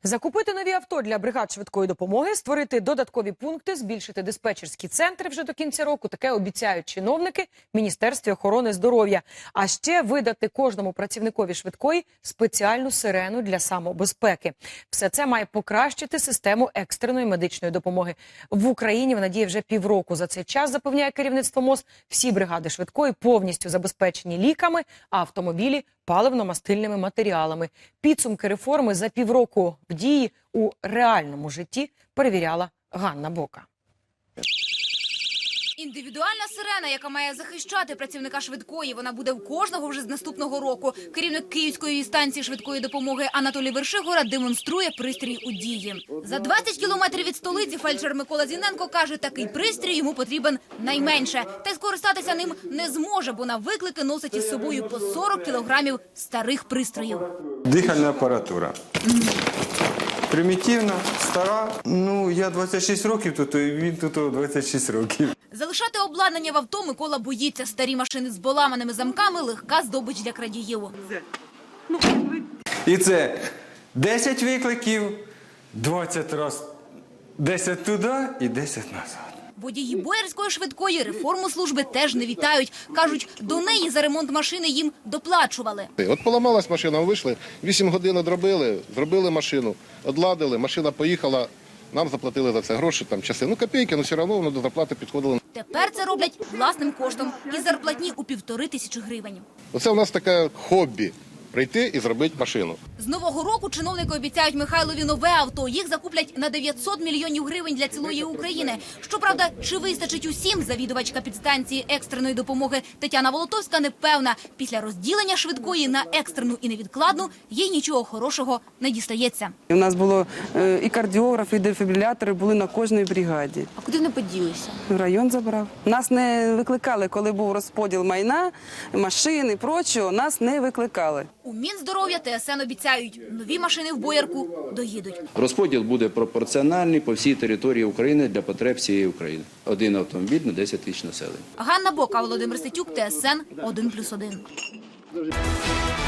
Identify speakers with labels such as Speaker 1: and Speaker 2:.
Speaker 1: Закупити нові авто для бригад швидкої допомоги, створити додаткові пункти, збільшити диспетчерські центри вже до кінця року. Таке обіцяють чиновники в Міністерстві охорони здоров'я. А ще видати кожному працівникові швидкої спеціальну сирену для самобезпеки. Все це має покращити систему екстреної медичної допомоги. В Україні вона діє вже півроку. За цей час, запевняє керівництво МОЗ, всі бригади швидкої повністю забезпечені ліками, а автомобілі – паливно-мастильними матеріалами. Підсумки реформи за півроку в дії у реальному житті перевіряла Ганна Бока.
Speaker 2: Індивідуальна сирена, яка має захищати працівника швидкої, вона буде в кожного вже з наступного року. Керівник Київської станції швидкої допомоги Анатолій Вершигора демонструє пристрій у дії. За 20 кілометрів від столиці фельдшер Микола Зіненко каже, такий пристрій йому потрібен найменше. Та й скористатися ним не зможе, бо на виклики носить із собою по 40 кілограмів старих пристроїв.
Speaker 3: Дихальна апаратура. Примітивна, стара. Я 26 років тут, і він тут 26 років.
Speaker 2: Залишати обладнання в авто Микола боїться. Старі машини з поламаними замками – легка здобич для крадіїв.
Speaker 3: І це 10 викликів, 20 разів, 10 туди і 10 назад.
Speaker 2: Водії боярської швидкої реформу служби теж не вітають. Кажуть, до неї за ремонт машини їм доплачували.
Speaker 4: От поламалась машина, вийшли, 8 годин одробили, зробили машину, одладили, машина поїхала, нам заплатили за це гроші, часи. Копійки, все одно воно до зарплати підходило.
Speaker 2: Тепер це роблять власним коштом із зарплатні у 1500 гривень.
Speaker 4: Оце у нас таке хобі – прийти і зробити машину.
Speaker 2: З нового року чиновники обіцяють Михайлові нове авто. Їх закуплять на 900 мільйонів гривень для цілої України. Щоправда, чи вистачить усім, завідувачка підстанції екстреної допомоги Тетяна Волотовська не певна. Після розділення швидкої на екстрену і невідкладну їй нічого хорошого не дістається.
Speaker 5: У нас було і кардіограф, і дефібрилятори були на кожній бригаді.
Speaker 2: А куди вони поділися?
Speaker 5: Район забрав. Нас не викликали, коли був розподіл майна, машин і прочого, нас не викликали.
Speaker 2: У Мінздоров'я ТСН обіцяють, нові машини в Боярку доїдуть.
Speaker 6: Розподіл буде пропорціональний по всій території України для потреб всієї України. Один автомобіль на 10 тисяч населення.
Speaker 2: Ганна Бока, Володимир Ситюк, ТСН 1+1.